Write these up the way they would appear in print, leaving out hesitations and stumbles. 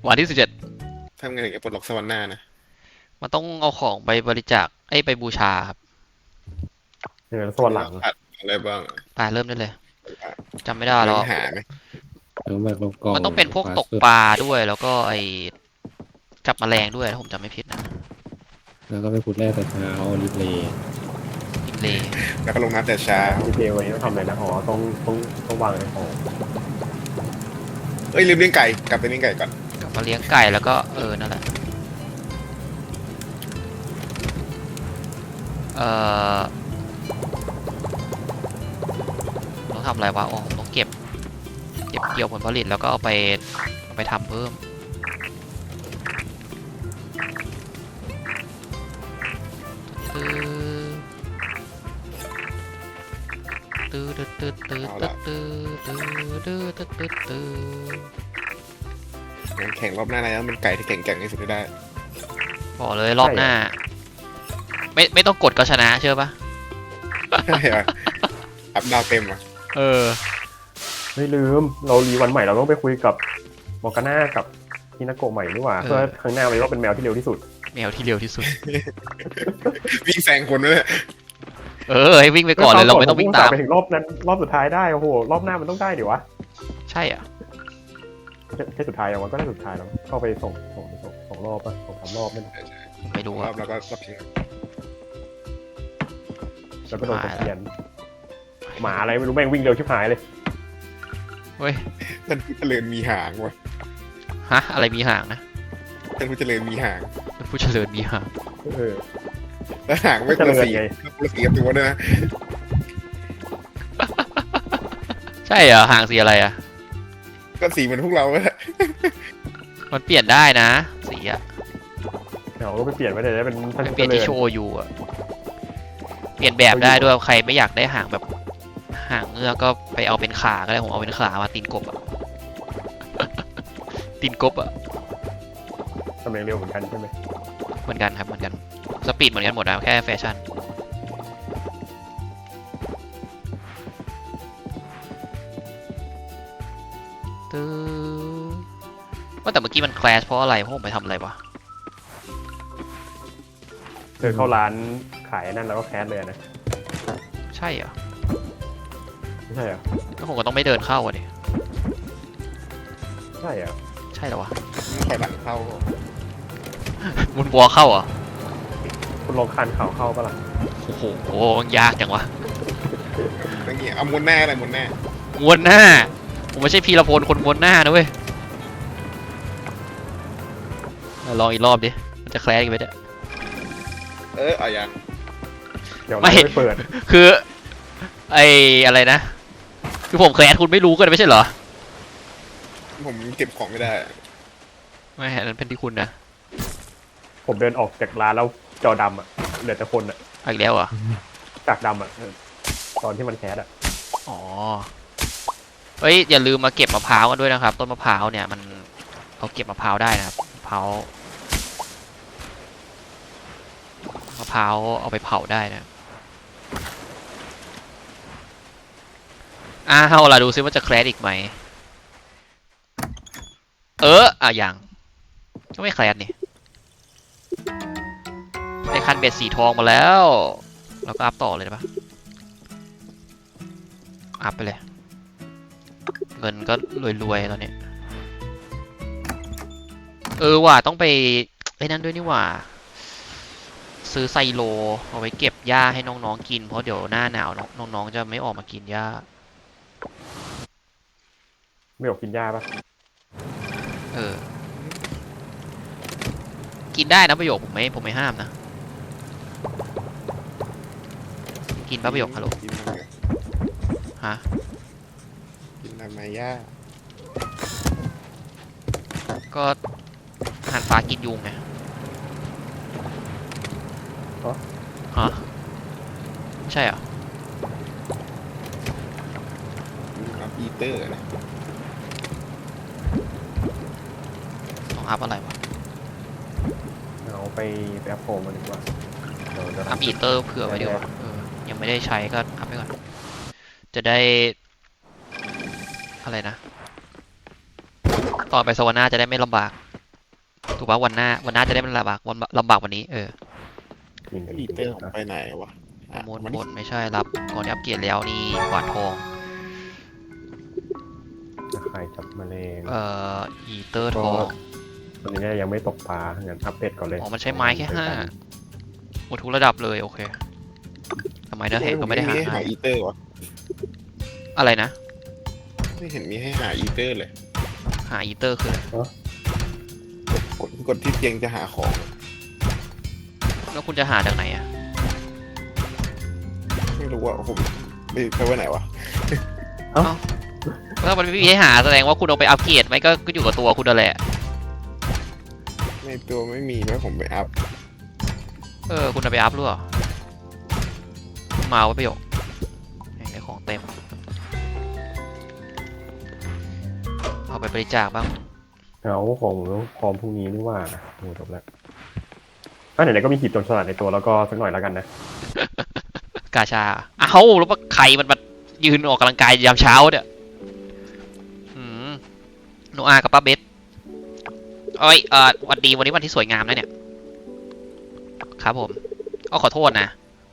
วันที่17 ทำไงถึงจะปลดล็อกสวรรค์หน้านะมันต้องเอาของไปบริจาคไปบูชาครับเอออันส่วนหลังนี้เราขาดอะไรบ้างไปเริ่มได้เลยจำไม่ได้แล้วเริ่มหาไหมแล้วแบบกล่องมันต้องเป็นพวกฟาสต์ฟู้ดตกปลาด้วยแล้วก็จับแมลงด้วยถ้าผมจำไม่ผิดนะแล้วก็ไปขุดแร่แต่เช้ารีเพลย์อิมเลแล้วก็ลงน้ำแต่เช้าดีเทลวันนี้ต้องทำอะไรนะอ๋อต้องวางในของเอ้ยลืมเลี้ยงไก่กลับไปเลี้ยงไก่ก่อนกลับมาเลี้ยงไก่แล้วก็นั่นแหละเออต้องทำอะไรวะอ๋อต้องเก็บเกี่ยวผลผลิตแล้วก็เอาไปทำเพิ่มตื้อตื้อตื้อตื้อเอาตื้อละตื้อตื้อตื้อตื้อตื้อตื้องั้นแข่งรอบหน้านะต้องเป็นไก่ที่แข็งๆที่สุดให้ได้บอกเลยรอบหน้าไม่ต้องกดก็ชนะเชื่อปะใช่เหรออัพดาวเต็มอ่ะเออไม่ลืมเรารีวันใหม่เราต้องไปคุยกับมอร์กาน่ากับฮินาโกะใหม่นี่หว่าเพื่อครั้งหน้าวันนี้ว่าเป็นแมวที่เร็วที่สุดแมวที่เร็วที่สุดวิ่งแซงคนด้วยให้วิ่งไปก่อนเลยเราไม่ต้องวิ่งตามไปถึงรอบนั้นรอบสุดท้ายได้โอ้โหรอบหน้ามันต้องได้เดี๋ยววะใช่อ่ะแค่สุดท้ายอย่างวันก็ได้สุดท้ายแล้วเข้าไปส่งรอบป่ะส่งสามรอบนั่นไม่รู้รอ่ะอบแล้วก็รอบชิงแล้วก็โดนตะเกียนหมาอะไรไม่รู้แม่งวิ่งเร็วชิบหายเลยเฮ้ยท่านผู้เจริญมีหางวะฮะอะไรมีหางนะท่านผู้เจริญมีหางเป็นผู้เจริญมีหางเออแล้วหางไม่คนละสีคนละสีกับตัวด้วยนะใช่เหรอหางสีอะไรอ่ะก็สีเหมือนพวกเราแหละมันเปลี่ยนได้นะสีอ่ะเราก็ไปเปลี่ยนไปเลยได้เป็นท่านเปผู้ลี่ยนเจริญที่โชว์อยู่อ่ะเปลี่ยนแบบได้ด้วยใครไม่อยากได้หางแบบหางเงือกก็ไปเอาเป็นขาก็ได้ผมเอาเป็นขามาตีนกบอ่ะ ตีนกบอ่ะตำแหน่งเร็วเหมือนกันใช่ไหมเหมือนกันครับเหมือนกันสปีดเหมือนกันหมดนะแค่แฟชั่นตื้อว่าแต่เมื่อกี้มันแคลชเพราะอะไรเพราะผมไปทำอะไรวะเธอเข้าร้านขายนั่นแล้วก็แคสเลยนะใช่เหรอไม่ใช่เหรอก็ผมก็ต้องไม่เดินเข้าอ่ะดิใช่เหรอใช่เหรอวะถอยหลังเข้ามุนบัวเข้าเหรอคุณลองคานเข่าเข้าปะล่ะโอ้โหยากจังวะอย่างเงี้ยเอาม้วนแน่อะไรม้วนแน่ม้วนหน้าผมไม่ใช่พีรพลคนม้วนหน้านะเว้ยลองอีกรอบดิมันจะแคลชอีกไหมเนี่ยเอาอย่างเดี๋ยวเราไม่เปิดคืออะไรนะคือผมเคยแอดคุณไม่รู้กันไม่ใช่เหรอผมเก็บของไม่ได้ไม่อันนั้นเป็นที่คุณนะผมเดินออกจากร้านแล้วจอดำอ่ะเหลือแต่คนอ่ะอีกแล้วเหรอจากดำอ่ะตอนที่มันแคสอ่ะอ๋อเฮ้ยอย่าลืมมาเก็บมะพร้าวกันด้วยนะครับต้นมะพร้าวเนี่ยมันเราเก็บมะพร้าวได้นะครับมะพร้าวเอาไปเผาได้นะเอาล่ะดูซิว่าจะแคลชอีกไหมอย่างก็ไม่แคลชนี่ได้คันเบ็ดสีทองมาแล้วเราก็อัพต่อเลยได้ปะอัพไปเลยเงินก็รวยๆตอนนี้ว่ะต้องไปนั่นด้วยนี่หว่าซื้อไซโลเอาไว้เก็บหญ้าให้น้องๆกินเพราะเดี๋ยวหน้าหนาวน้องๆจะไม่ออกมากินหญ้าไม่ออกกินหญ้าปะกินได้นะประโยคผมไม่ห้ามนะกินปะประโยคฮัลโหลฮะกินทำไมย่าก็อาหารปลากินยุงไงฮะใช่เหรอปีเตอร์นะต้องอัพอะไรวะเอาไปแอปโฟมมาดีกว่าอัพอีเตอร์เผื่อไว้ดีกว่ายังไม่ได้ใช้ก็อัพไปก่อนจะได้อะไรนะตอนไปสวรรค์จะได้ไม่ลำบากถูกปะวันหน้าจะได้มันลำบากวันนี้จริงกันจอีริงเตอร์ผมนะไปไหนวะโมนมันบนไม่ใช่รับก่อนที่อัปเกรดแล้วนี่กวาดทองตะไคร่จับแมลงอีเตอร์ทองตอนนี้เนี่ยยังไม่ตกปลางั้นอัปเดตก่อนเลยอ๋อมันใช้ไม้แค่5หมดทุกระดับเลยโอเคทำไมเนื้อเห็ดก็ไม่ได้หาให้หาให้อีเตอร์วะอะไรนะไม่เห็นมีให้หาอีเตอร์เลยหาอีเตอร์คืออะไรกดที่เตียงจะหาของแล้วคุณจะหาจากไหนอะไม่รู้ว่าผมไปไว้ไหนวะถ้ามันไม่มีให้หาแสดงว่าคุณเอาไปอัปเกรดไหมก็อยู่กับตัวคุณนั่นแหละในตัวไม่มีแล้วผมไปอัพคุณเอาไปอัพหรือเปล่ามาเอาไว้ประโยคได้ของเต็มเอาไปบริจาคบ้างเอาของพร้อมพรุ่งนี้นี่ว่าโอ้จบแล้วไหนๆก็มีหีบโจรสลัดในตัวแล้วก็สักหน่อยแล้วกันนะกาชาเอ้าแล้วว่าใครมันมายืนออกกำลังกายยามเช้าเนี่ยโนอากับป้าเบสวันดีวันนี้วันที่สวยงามนะเนี่ยครับผมขอโทษนะ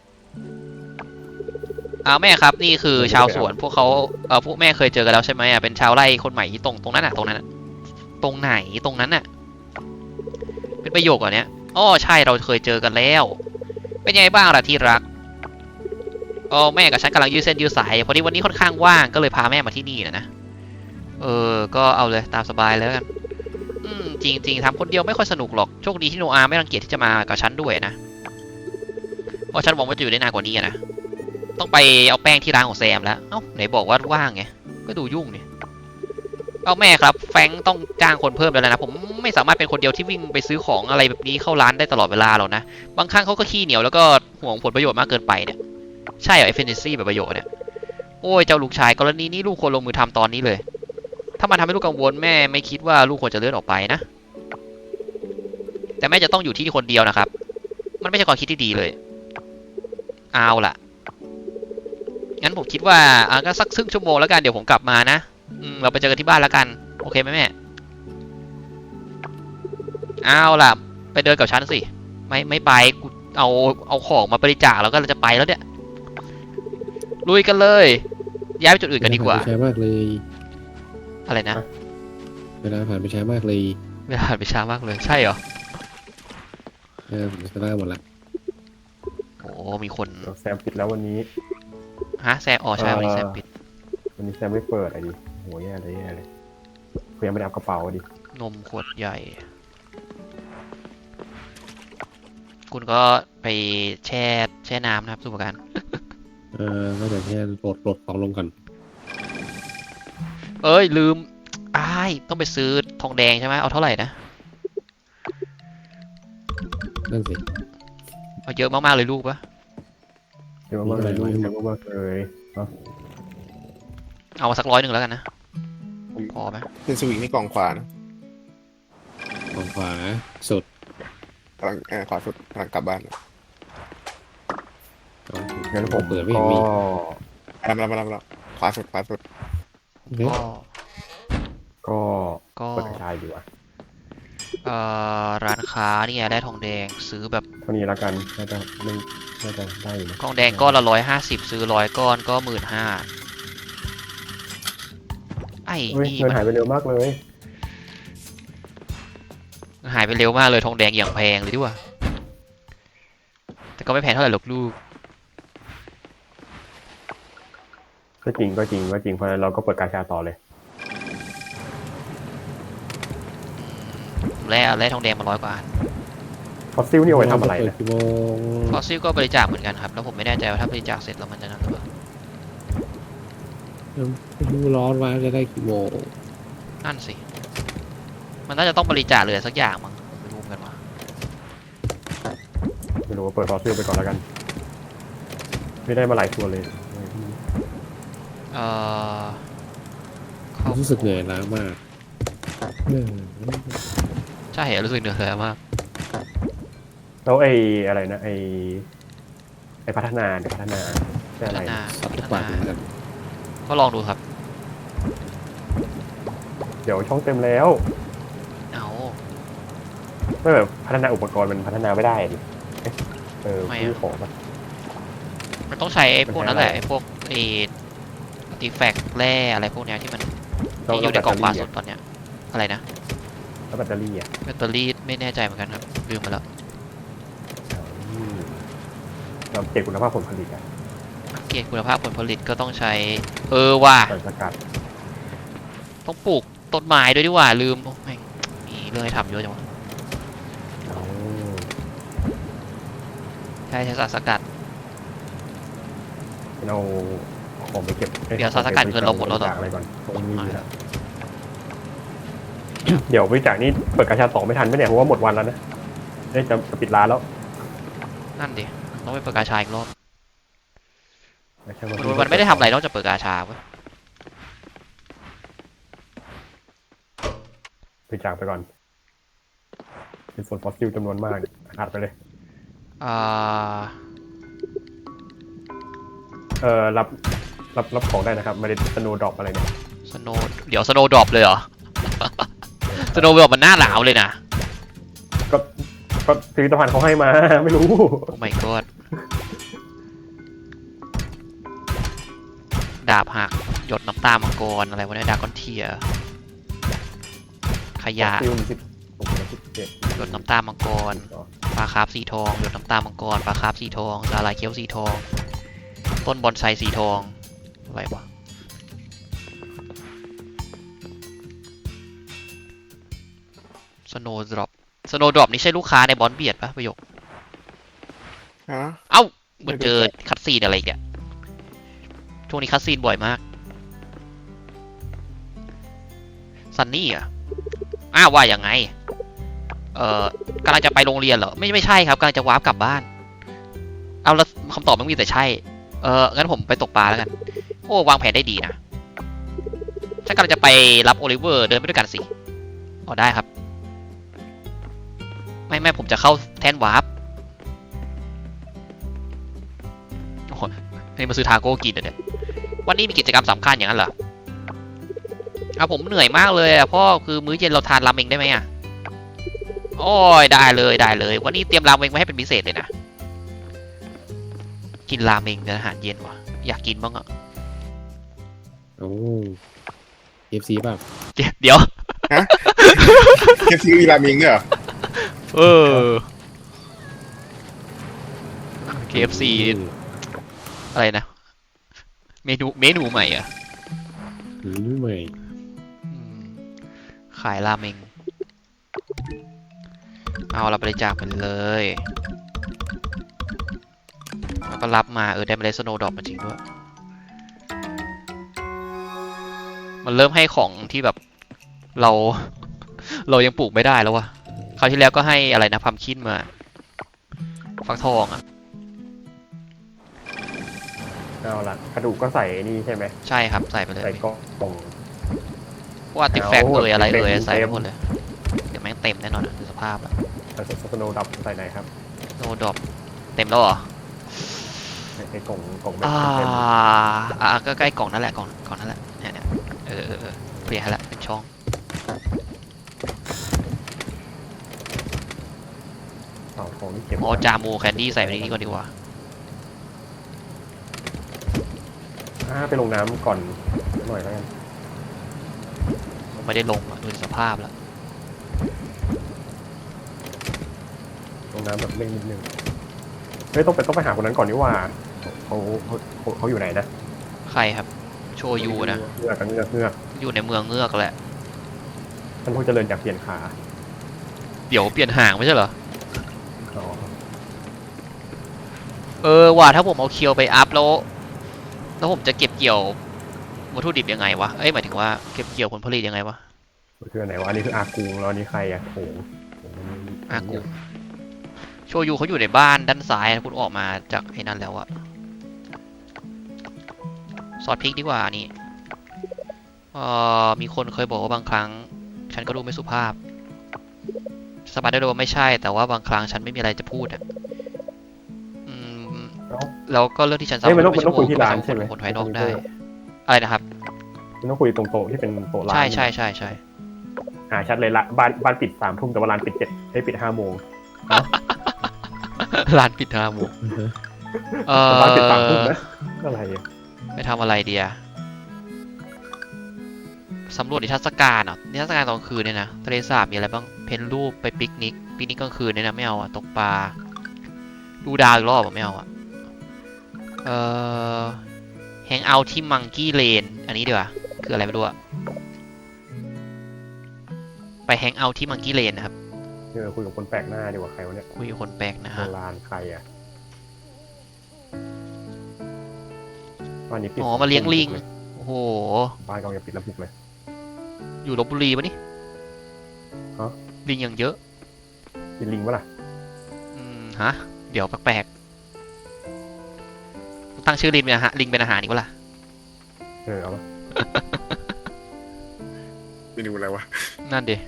แม่ครับนี่คือชาวสวนพวกเขาพวกแม่เคยเจอกันแล้วใช่ไหมเป็นชาวไร่คนใหม่ที่ตรงนั้นตรงนั้นตรงไหนตรงนั้นน่ะเป็นประโยคเหรอเนี่ยใช่เราเคยเจอกันแล้วเป็นยังไงบ้างล่ะที่รักแม่กับฉันกำลังยืดเส้นยืดสายพอดีวันนี้ค่อนข้างว่างก็เลยพาแม่มาที่นี่นะก็เอาเลยตามสบายแล้วกันจริงทำคนเดียวไม่ค่อยสนุกหรอกโชคดีที่โนอาไม่รังเกียจที่จะมากับฉันด้วยนะเพราะฉันหวังว่าจะอยู่ได้นานกว่านี้นะต้องไปเอาแป้งที่ร้านของแซมแล้วไหนบอกว่าว่างไงก็ดูยุ่งนี่แม่ครับแฟรงค์ต้องจ้างคนเพิ่มแล้วนะผมไม่สามารถเป็นคนเดียวที่วิ่งไปซื้อของอะไรแบบนี้เข้าร้านได้ตลอดเวลาหรอกนะบางครั้งเขาก็ขี้เหนียวแล้วก็ห่วงผลประโยชน์มากเกินไปเนี่ยใช่เหรอเอฟเฟนซี่แบบประโยชน์เนี่ยโอ้ยเจ้าลูกชายกรณีนี้ลูกควรลงมือทำตอนนี้เลยถ้ามันทำให้ลูกกังวลแม่ไม่คิดว่าลูกควรจะเลื่อนออกไปนะแต่แม่จะต้องอยู่ที่คนเดียวนะครับมันไม่ใช่ความคิดที่ดีเลยเอาล่ะงั้นผมคิดว่าก็สักครึ่งชั่วโมงแล้วกันเดี๋ยวผมกลับมานะเราไปเจอกันที่บ้านแล้วกันโอเคไหมแม่เอาล่ะไปเดินกับฉันสิไม่ไปกูเอาของมาบริจาคแล้วก็เราจะไปแล้วเนี่ยลุยกันเลยย้ายไปจุดอื่นกันดีกว่าเวลผ่นไปช้ามากเลยอะไรนะเวลาผ่านไปช้ามากเลยเวลาผ่านไปช้ามากเลยใช่เหรอผมจะล่าหมดละโอ้มีคนแซมปิดแล้ววันนี้แซมใช่วันนี้แซมปิดวันนี้แซมไม่เปิดไอ้ดิโหแย่เลยเพื่อนไม่ได้เอากระเป๋าดินมขวดใหญ่ คุณก็ไปแช่น้ำนะครับสุภการก็เดี๋ยวแค่ปลดของลงก่อนลืมต้องไปซื้อทองแดงใช่ไหมเอาเท่าไหร่นะนั่นสิเอาเยอะมากๆเลยลูกปะเยอะมากเลยลูกเยอะมากเลยเอามาสัก100แล้วกันนะพอไหมเป็นสวิงนี่กล่องขวานะของขวาสุดกำลังขวาสุดกำลังกลับบ้านงั้นผมเปิดไม่ก็มีมาขวาสุดก็เปิดกระชายอยู่อ่ะร้านค้าเนี่ยได้ทองแดงซื้อแบบเท่านี้แล้วกันน่าจะได้อยู่นะทองแดงก้อนละ150ซื้อ100 ก้อนก็15,000 เฮ้ยนี่เงินหายไปเร็วมากเลยหายไปเร็วมากเลยทองแดงอย่างแพงเลยดีกว่าแต่ก็ไม่แพงเท่าไหร่หรอกลูกก็จริงเพราะฉะนั้นเราก็เปิดกาชาต่อเลยแร่ทองแดงมา100 กว่าอันฟอสซิลนี่เอาไว้ทำอะไรเปิดนะกี่โมงฟอสซิลก็บริจาคเหมือนกันครับแล้วผมไม่แน่ใจว่าถ้าบริจาคเสร็จแล้วมันจะนั่นหรือเปล่าไม่รู้ร้อนว่าจะได้กี่โมงนั่นสิมันน่าจะต้องบริจาคเลยสักอย่างมั้งผมไม่รู้เหมือนกันว่าไม่รู้ว่าเปิดฟอสซิลไปก่อนแล้วกัน ไม่ได้มาหลายตัวเลยรู้สึกเหนื่อยล้ามากใช่เหรอรู้สึกเหนื่อยมากแล้วอะไรนะไอ้พัฒนาใช่พัอะไรฒนาสับทุกวันเหมือนกันก็ลองดูครับเดี๋ยวช่องเต็มแล้วเอาไม่แบบพัฒนาอุปกรณ์มันพัฒนาไม่ได้ดิผู้ของมันมันต้องใช้ไอ้พวกนั้นแหละมันใช้อะไรไอ้พวกไอ้อาร์ติแฟกต์แร่อะไรพวกเนี้ยที่มันที่อยู่ในกล่องปลาสดตอนเนี้ยอะไรนะแล้วแบตเตอรี่อ่ะแบตเตอรี่ไม่แน่ใจเหมือนกันครับลืมไปแล้วอืมเราเก็บคุณภาพผลผลิตอ่ะเกณฑ์คุณภาพผลผลิตก็ต้องใช้ว่าสารสกัดต้องปลูกต้นไม้ด้วยดีกว่าลืมโอ้แม่งมีเรื่องให้ทำเยอะจังวะเอาใช่สารสกัดเอาของไปเก็บเดี๋ยวสารสกัดเงินเราหมดแล้วเหรอบริจาคอะไรก่อนตรงนี้นะเดี๋ยวบริจาคนี่เปิดกาชา2ไม่ทันไหมเนี่ยเพราะว่าหมดวันแล้วนะจะปิดร้านแล้วนั่นดิต้องไปเปิดกาชาอีกรอบไม่ใช่มันไม่ได้ทำอะไรนอกจากเปิดกาชาเว้ยบริจาคไปก่อนเป็นส่วนฟอสซิลจำนวนมากอัดไปเลยอ่ารับของได้นะครับไม่ได้สโนว์ดรอปอะไรเนี่ยสโนเดี๋ยวสโนดรอปเลยเหรอ สโนดรอปมันหน้าหนาวเลยนะก็พิพิธภัณฑ์เขาให้มา ไม่รู้โอ้ my god ดาบหักหยดน้ำตามังกรอะไรวะเนี่ยดากอนเทียขยะฟอสซิล17 หยดน้ำตามังกรปลาคาร์ฟสีทองหยดน้ำตามังกรปลาคาร์ฟสีทองสาหร่ายเคี้ยวสีทองต้นบอนไซสีทองอะไรวะสโนว์ดรอปสโนว์ดรอปนี่ใช่ลูกค้าในบอนเบียดปะประโยคฮะเอ้าเหมือนเจอคัตซีนอะไรอีกอะช่วงนี้คัตซีนบ่อยมากซันนี่อะว่ายังไงกำลังจะไปโรงเรียนเหรอไม่ใช่ครับกำลังจะวาร์ปกลับบ้านเอาแล้วคำตอบมันมีแต่ใช่งั้นผมไปตกปลาแล้วกันโอ้วางแผนได้ดีนะฉันกำลังจะไปรับโอลิเวอร์เดินไปด้วยกันสิอ๋อได้ครับไม่ผมจะเข้าแทนวาร์ปโอ้โหนี่มาซื้อทาโก้กินเนี่ยวันนี้มีกิจกรรมสำคัญอย่างนั้นเหรอผมเหนื่อยมากเลยพ่อคือมื้อเย็นเราทานราเมงได้ไหมโอ้ยได้เลยวันนี้เตรียมราเมงมาให้เป็นพิเศษเลยนะกินราเมงเป็นอาหารเย็นว่ะอยากกินบ้างอ่ะโอ้เอฟซีป่ะเดี๋ยวเคฟซีมีรามิงด้วยเหรอ KFC อะไรนะเมนูใหม่อ่ะนี่ใหม่ขายราเมงเอาเราบริจาคไปเลยแล้วก็รับมาได้เมล็ดสโนว์ดรอปมาจริงด้วยมันเริ่มให้ของที่แบบเรายังปลูกไม่ได้แล้ววะคราวที่แล้วก็ให้อะไรนะพัมคินมาฟักทองอ่ะเอาละกระดูกก็ใส่นี่ใช่ไหมใช่ครับใส่ไปเลยใส่กล่องพวกอาร์ติแฟกต์อะไรเต็มใส่ไปหมดเลยเดี๋ยวแม่งเต็มแน่นอนดูสภาพอะใส่สโนว์ดรอปใส่ไหนครับโนดรอปเต็มแล้วเหรอในกล่องแบบอ่าเต็มก็ใกล้กล่องนั่นแหละกล่องนั่นแหละเนี่ยเปลี่ยนให้ละเป็นช่องของที่เก็บจามูแคนดี้ใส่ไปในนี้ก่อนดีกว่าไปลงน้ำก่อนหน่อยแล้วกันผมไม่ได้ลงอะดูสภาพแล้วลงน้ำแบบเร่งนิดนึงต้องไปหาคนนั้นก่อนดีกว่าเขาอยู่ไหนนะใครครับโชยูนะเงือกอยู่ในเมืองเงือกแหละท่านผู้เจริญจากเปลี่ยนขาเดี๋ยวเปลี่ยนห่างไม่ใช่เหรออ๋อว่าถ้าผมเอาเคียวไปอัพแล้วผมจะเก็บเกี่ยววัตถุดิบยังไงวะหมายถึงว่าเก็บเกี่ยวผลผลิตยังไงวะคือไหนวะอันนี้คืออากูงแล้วอันนี้ใครอะโถงอากูโชยูเขาอยู่ในบ้านด้านซ้ายนะคุณออกมาจากไอ้นั่นแล้วอะซอสพริกดีกว่านี่มีคนเคยบอกว่าบางครั้ง ฉันก็ดูไม่สุภาพสบายได้เลยว่าไม่ใช่แต่ว่าบางครั้งฉันไม่มีอะไรจะพูดอะแล้วก็เรื่องที่ฉันสามารถมันต้องคุยที่ร้านใช่ไหมคนภายนอกได้อะไรนะครับมันต้องคุยตรงโต๊ะที่เป็นโต๊ะร้านใช่ชัดเลยละบ้านปิด3 ทุ่มแต่ว่าร้านปิดปิด5 โมงร้านปิด5 โมงแต่บ้านปิด3 ทุ่มนะอะไรอะไปทำอะไรเดียสำรวจนิทรรศการเหรอนิทรรศการตอนกลางคืนเนี่ยนะทะเลสาบมีอะไรบ้างเพ้นรูปไปปิกนิกกลางคืนเนี่ยนะไม่เอาอะตกปลาดูดาวอีกรอบไม่เอาอะแฮงเอาท์ที่มังกี้เลนอันนี้ดีกว่าคืออะไรไม่รู้อะไปแฮงเอาท์ที่มังกี้เลนนะครับคุยกับคนแปลกหน้าดีกว่าใครวะเนี่ยคุยกับคนแปลกนะโบฮะราณใครอ่ะบ้านนี้ปิดอ๋อมาเลี้ยงลิงโอ้โหบ้านกำลังจะปิดแล้วบุกเลยอยู่ลพบุรีปะนี่ฮะลิงอย่างเยอะกินลิงปะล่ะฮะเดี๋ยวแปลกๆตั้งชื่อลิงเป็นอาหารอีกวะล่ะเอาปะเมนูอะไรวะนั่นดิ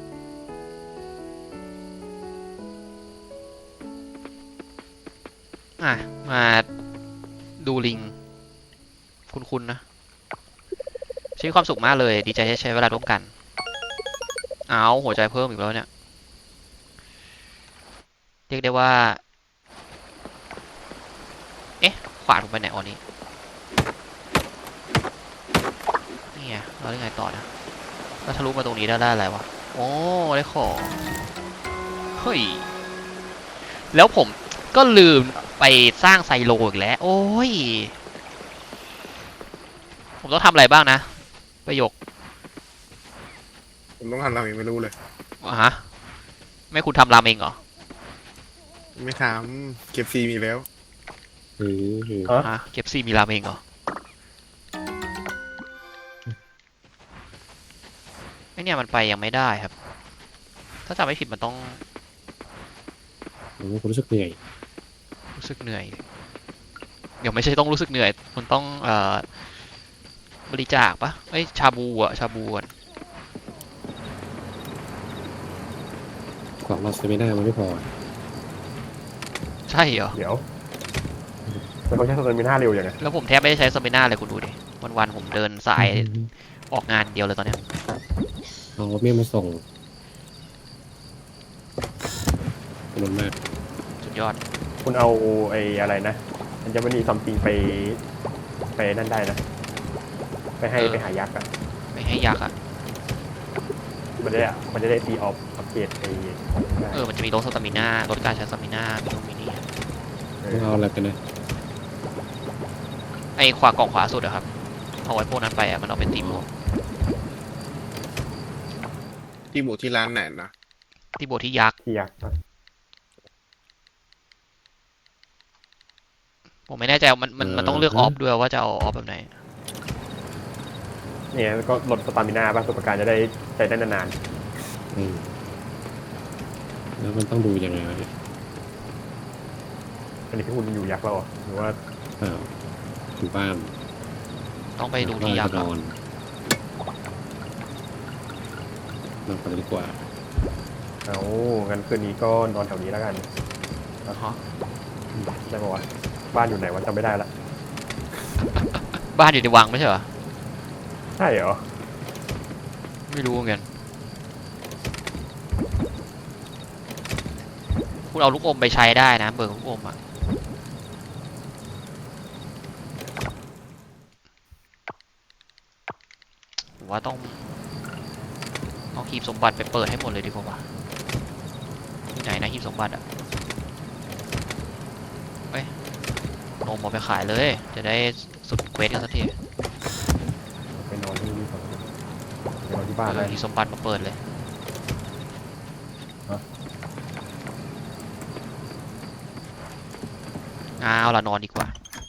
มาดูลิงคุ้นๆนะใช้ความสุขมากเลยดีใจที่ใช้เวลาร่วมกันเอาหัวใจเพิ่มอีกแล้วเนี่ยเรียกได้ว่าขวาลงไปไหนอ๋อนี่นี่ไงเราได้ไงต่อนะเราทะลุมาตรงนี้ได้อะไรวะโอ้ได้ของเฮ้ยแล้วผมก็ลืมไปสร้างไซโลอีกแล้วโอ้ยผมต้องทำอะไรบ้างนะประโยคผมต้องทำเราเองไม่รู้เลยฮะไม่คุณทำรามเองเหรอไม่ทำเก็บซีมีแล้วฮะเก็บซีมีรามเองเหรอไอเนี่ยมันไปยังไม่ได้ครับ ถ้าจำไม่ผิดมันต้องผมรู้สึกเหนื่อยรู้สึกเหนื่อยเดี๋ยวไม่ใช่ต้องรู้สึกเหนื่อยมันต้องบริจาคปะเอ้ยชาบูอ่ะของเราเซไม่ได้มันไม่พอใช่เหรอเดี๋ยวแต่เขาใช้สเตอร์มิน่าเร็วอย่างไงแล้วผมแทบไม่ได้ใช้สเปน่าเลยคุณดูดิวันๆผมเดินสายออกงานเดียวเลยตอนเนี้ยเอารถเมล์มาส่งขอบคุณมากสุดยอดคุณเอาอะไรนะมันจะไม่มีซัมติงไปนั่นได้นะไปหายักษ์อ่ะไม่ให้ยักษ์อ่ะมันจะได้ตีออฟอัปเกรดของได้มันจะมีลดสตามิน่าลดการใช้สตามิน่ามีตรงนี้ต้องเอาอะไรกันนะไอ้ขวากล่องขวาสุดอะครับเอาไว้พวกนั้นไปอะมันเอาเป็นตีโบที่หมูที่ร้านไหนนะตีโบที่ยักษ์ที่ยักษ์ผมไม่แน่ใจมันต้องเลือกออฟด้วยว่าจะเอาออฟแบบไหนเนี่ยแล้วก็ลดสตามิน่าป่ะตัวประกันจะได้ใช้ได้นานแล้วมันต้องดูยังไงวะเนี่ยๆอันนี้พี่คุณอยู่ยักษ์แล้วเหรอหรือว่าอยู่บ้านต้องไปดูที่ยักษ์นอะอนกันดีกว่าเอางั้นคืนนี้ก็นอนแถวนี้แล้วกันฮะได้ปะวะบ้านอยู่ไหนวะจำไม่ได้ละบ้านอยู่ในวังไม่ใช่เหรอใช่เหรอไม่รู้เหมือนกันคุณเอาลูกอมไปใช้ได้นะเบิกลูกอมอะผมว่าต้องเอาหีบสมบัติไปเปิดให้หมดเลยดีกว่าที่ไหนนะหีบสมบัติอะเฮ้ยนมเอาไปขายเลย จะได้สุดเควสกันสักทีไปนอนที่นี่ก่อนไปนอนที่บ้านเลยหีบสมบัติมาเปิดเลย เอาละนอนดีกว่า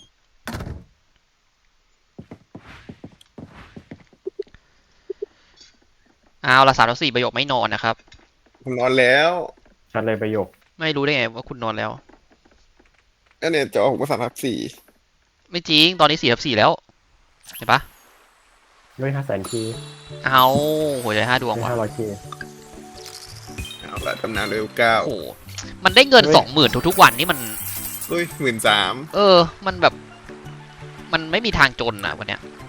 เอาละ3-4ประโยคไม่นอนนะครับผมนอนแล้วชัดเลยประโยคไม่รู้ได้ไงว่าคุณนอนแล้วก็เนี่ยจะออกมา3/4 ไม่จริงตอนนี้4/4แล้วเห็นปะด้วย500,000 เคเอาหัวใจ5 ดวงด้วยว่ะ 500 เคเอาละตำนานเร็ว9 โอ้โหมันได้เงิน 20,000ทุกๆวันนี่มันเฮ้ย13,000 มันแบบมันไม่มีทางจนอ่ะวันเนี้ย